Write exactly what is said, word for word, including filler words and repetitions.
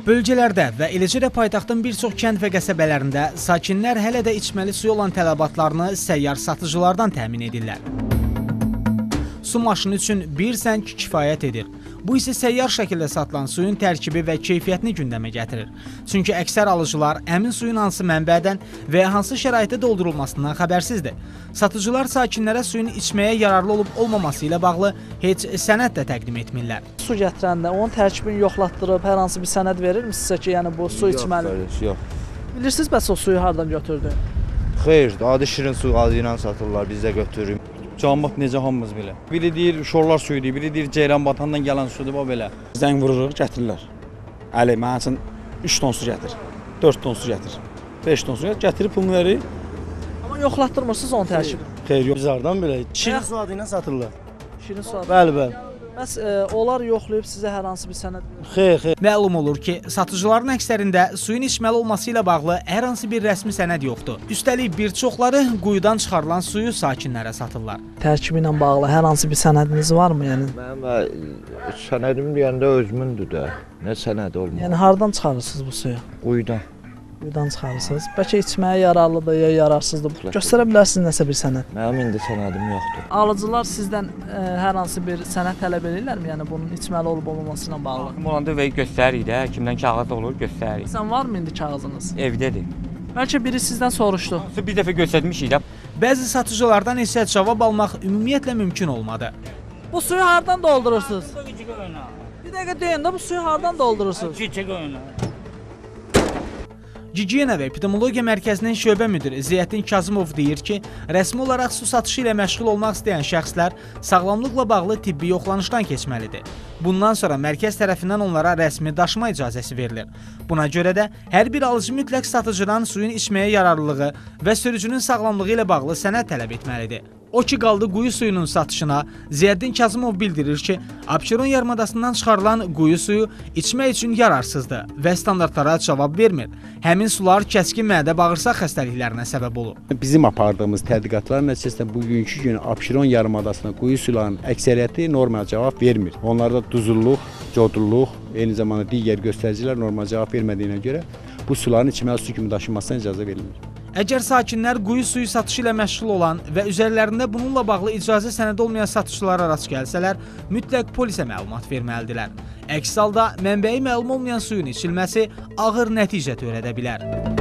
Bölgələrdə və eləcə də paytaxtın bir çox kənd və qəsəbələrində sakinlər hələ də içməli suyu olan tələbatlarını səyyar satıcılardan təmin edirlər. Su maşını üçün bir zəng kifayət edir. Bu isə səyyar şəkildə satılan suyun tərkibi və keyfiyyətini gündəmə gətirir. Çünki əksər alıcılar əmin suyun hansı mənbədən və hansı şəraitdə doldurulmasından xəbərsizdir. Satıcılar sakinlərə suyun içməyə yararlı olub olmaması ilə bağlı heç sənəd də təqdim etmirlər. Su gətirəndə onun tərkibini yoxlatdırıb hər hansı bir sənəd verir mi sizə ki, yəni bu su içməli? Yox, yox. Bilirsiniz bəs o suyu hardan götürdü? Xeyr, adi şirin su adı ilə satırlar, biz də götürürük. Canmaq necə hamımız belə. Biri deyir şorlar suyudur, biri deyir Ceyran batandan gələn sudur, bax belə. Zəng vururuq, gətirirlər. Əli, mənim üçün üç ton su gətir, dörd ton su gətir, beş ton su gətir, gətirib pulunu verir. Amma yoxlatdırmırsınız onun tərkibini? Xeyr, yox. Biz hardan belə? Şirin su adı ilə satırlar. Şirin su adı. Bəli, bəli. Bəs e, onlar yoxlayıb sizə hər hansı bir sənəd verir? Xeyr, xeyr. Məlum olur ki, satıcıların əksərində suyun içməli olması ilə bağlı hər hansı bir rəsmi sənəd yoxdur. Üstəlik bir çoxları quyudan çıxarılan suyu sakinlərə satırlar. Tərkibi ilə bağlı hər hansı bir sənədiniz varmı? Yəni Mənim sənədim deyəndə özümündür də. Nə sənədi olmaz? Yəni hardan çıxarırsınız bu suyu? Quyudan. Quyudan çıxarırsınız. Bəlkə içməyə yararlıdır ya yararsızdır. Göstərə bilərsiniz nəsə bir sənəd? Mənim indi sənədim yoxdur. Alıcılar sizdən e, hər hansı bir sənəd tələb edirlərmi? Yəni bunun içməli olub olmaması ilə bağlı. Olanda və göstəririk də, kimdən kağız olur, göstəririk. Sən varmı indi kağızınız? Evdədir. Bəlkə biri sizdən soruşdu. Bir dəfə göstərmişik də. Bəzi satıcılardan isə cavab almaq ümumiyyətlə mümkün olmadı. Bu suyu hardan doldurursunuz? Bir dəqiqə deyin də bu suyu hardan doldurursunuz? Gigiyena və Epidemiologiya Mərkəzinin şöbə müdiri Ziyəddin Kazımov deyir ki, rəsmi olaraq su satışı ilə məşğul olmaq istəyən şəxslər sağlamlıqla bağlı tibbi yoxlanışdan keçməlidir. Bundan sonra mərkəz tərəfindən onlara rəsmi daşıma icazəsi verilir. Buna görə də hər bir alıcı mütləq satıcıdan suyun içməyə yararlılığı və sürücünün sağlamlığı ilə bağlı sənəd tələb etməlidir. O ki qaldı quyu suyunun satışına, Ziyəddin Kazımov bildirir ki, Abşeron yarımadasından çıxarılan quyu suyu içmək üçün yararsızdır və standartlara cavab vermir. Həmin sular kəskin mədə-bağırsaq xəstəliklərinə səbəb olur. Bizim apardığımız tədqiqatlar nəticəsində bugünkü gün Abşeron yarımadasına quyu sularının əksəriyyəti normal cavab vermir. Onlarda duzulluq, codulluq, eyni zamanda digər göstəricilər normal cavab vermədiyinə görə bu suların içməli su kimi daşınmasına icazə verilmir. Əgər sakinlər quyu suyu satışı ilə məşğul olan və üzərlərində bununla bağlı icazə sənədi olmayan satıcılara rast gəlsələr, mütləq polisə məlumat verməlidirlər. Əks halda mənbəyi məlum olmayan suyun içilməsi ağır nəticə törədə bilər.